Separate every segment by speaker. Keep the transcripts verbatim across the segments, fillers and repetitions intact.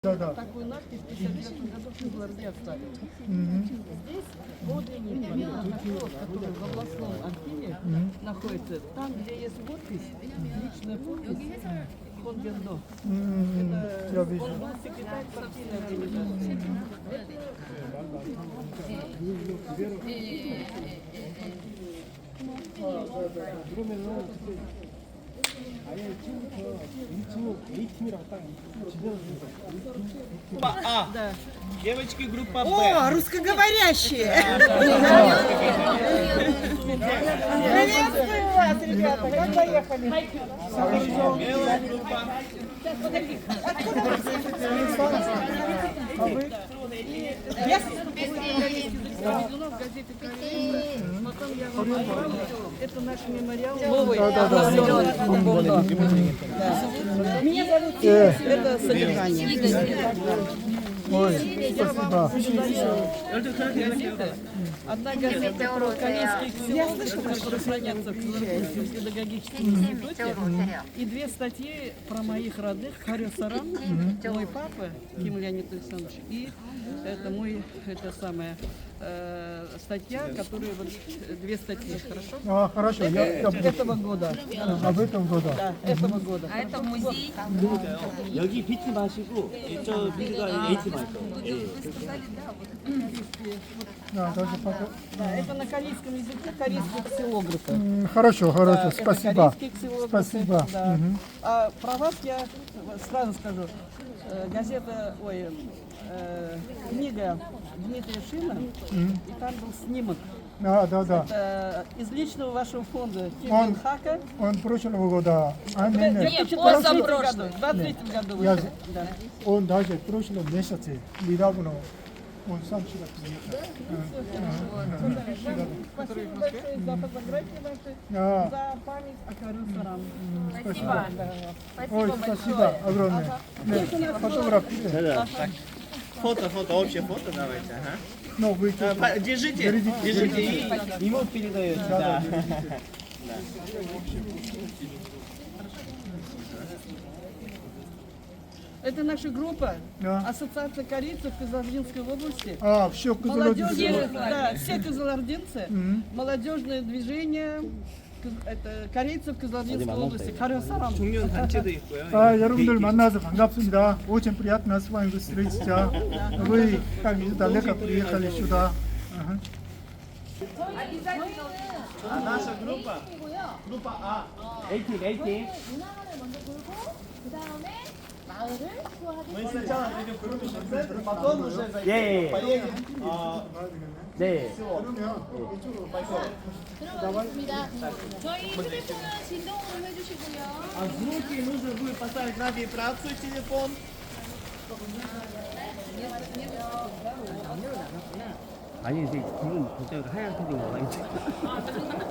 Speaker 1: Да, да.
Speaker 2: Такую надпись в пятьдесят девятом году в Гвардии оставили.
Speaker 1: Мгм.
Speaker 2: Здесь подлинник протоколов, который в областном архиве находится. Там, где есть подпись, личная подпись фон Гердо.
Speaker 1: М, Я
Speaker 2: Он
Speaker 1: вижу.
Speaker 2: был секретарь партийной организации.
Speaker 3: Группа А. Девочки, группа Б.
Speaker 4: О, русскоговорящие! Приветствую вас, ребята! Как доехали?
Speaker 3: Белая группа.
Speaker 1: А вы?
Speaker 2: Заведено в газете «Коррея». Потом я вам отправлю. Это наш мемориал новый.
Speaker 1: Да, да, да.
Speaker 4: Меня зовут
Speaker 1: Э,
Speaker 4: Это содержание.
Speaker 1: Ой, спасибо.
Speaker 2: Одна газета про Каменских селов, которые хранятся в Кызылординском педагогическом институте, и две статьи про моих родных, Харю Сарам, мой папа, Ким Леонид Александрович, и это мой, это самая э, статья, которая вот две статьи, хорошо?
Speaker 1: А, хорошо, я, я буду.
Speaker 2: Этого года,
Speaker 1: А в этом году?
Speaker 2: да, этого года.
Speaker 5: А это музей.
Speaker 3: 여기 B팀 하시고 저 B가 A팀 할 거예요.
Speaker 5: Вы сказали, да, вот
Speaker 1: Да, даже пока.
Speaker 2: Да, это на корейском языке корейские ксилографы.
Speaker 1: М, Хорошо, хорошо,
Speaker 2: Да,
Speaker 1: спасибо.
Speaker 2: это корейские ксилографы,
Speaker 1: Спасибо.
Speaker 2: да.
Speaker 1: Мгм.
Speaker 2: А про вас я сразу скажу. Э, Газета, ой, э, книга Дмитрия Шина, и там был снимок.
Speaker 1: Да, да, да.
Speaker 2: Это из личного вашего фонда Ким
Speaker 1: Он-
Speaker 2: Ин Хака.
Speaker 1: Он прошлого года, а
Speaker 2: В
Speaker 1: нет, нет,
Speaker 2: две тысячи двадцать третьем году,
Speaker 5: позапрошлый.
Speaker 2: в двадцать третьем году
Speaker 1: Я-
Speaker 2: вышел. Да.
Speaker 1: он даже в прошлом месяце недавно он сам сюда приехал.
Speaker 2: Спасибо большое за фотографии ваши,
Speaker 1: А,
Speaker 2: за память о Харю Сарам.
Speaker 1: спасибо.
Speaker 5: спасибо
Speaker 1: Ой,
Speaker 5: большое.
Speaker 1: спасибо огромное. Нет, фотограф.
Speaker 3: Да-да. Фото, фото, общее фото давайте. Ага.
Speaker 1: Ну, вы
Speaker 3: А, по- Держите, держите и ему передаете. Да.
Speaker 2: Это наша группа,
Speaker 1: Да.
Speaker 2: Ассоциация корейцев Кызылординской области.
Speaker 1: А, все,
Speaker 2: Молодежные,
Speaker 1: Кызылординск.
Speaker 2: да, все кызылординцы, молодежное движение Кыз- это корейцев Кызылординской области. Харю Сарам.
Speaker 3: 청년 단체도 있고요.
Speaker 1: 아, 여러분들 만나서 반갑습니다. Очень приятно с вами встретиться. Вы как издалека приехали сюда. Ага.
Speaker 3: 아, наша группа. группа А. A팀, A팀.
Speaker 6: 문화관을 먼저 돌고 그 다음에 마을을 투어하기
Speaker 3: Мы сначала зайдем в крупнейший центр, потом уже зайдем. Поедем. а, 네.
Speaker 6: 들어가겠습니다. 저희 휴대폰은 진동으로 해주시고요.
Speaker 3: А звуки нужно будет поставить на вибрацию телефон.
Speaker 7: 아니 근데 지금 갑자기 하얀 패딩 나와 있어.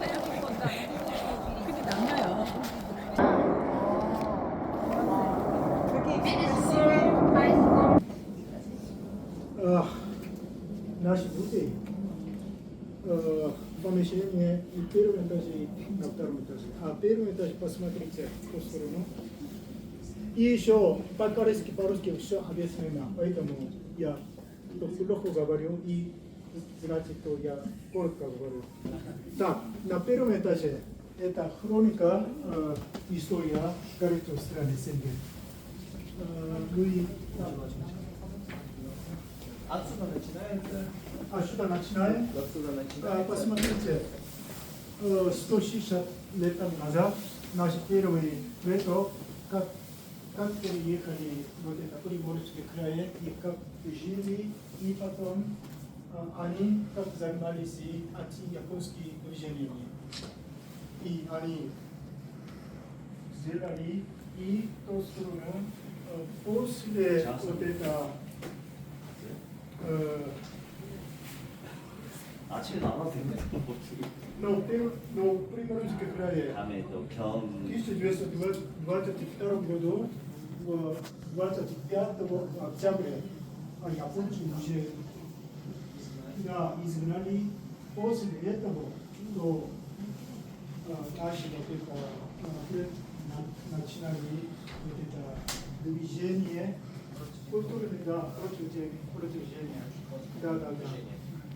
Speaker 1: А, наш музей э, помещение и первом этаже, и на втором этаже. А первый этаж посмотрите в ту сторону. И еще по-корейски, по-русски все объяснено, поэтому я плохо говорю и значит, что я коротко говорю. Так, на первом этаже это хроника, э, история корейской страны Сенген. Э, Луи,
Speaker 3: отсюда начинается.
Speaker 1: а сюда начинаем.
Speaker 3: Отсюда
Speaker 1: А,
Speaker 3: начинается.
Speaker 1: посмотрите, э, сто шестьдесят лет назад наши первые ретро, как, как переехали вот это Приморский край и как жили, и потом э, они как занимались и антияпонскими движениями. И они сделали и то сторону э, после вот это э,
Speaker 7: 아침에 나와서
Speaker 1: но, пер- но в Приморском крае
Speaker 7: 다음에 또
Speaker 1: в
Speaker 7: 겸
Speaker 1: тысяча девятьсот двадцать втором году, в двадцать пятого октября, они японцы уже да, изгнали. После этого то а, наши вот это а, на- начинали вот это движение Культурный, да, против, против Женя. Да, да, да.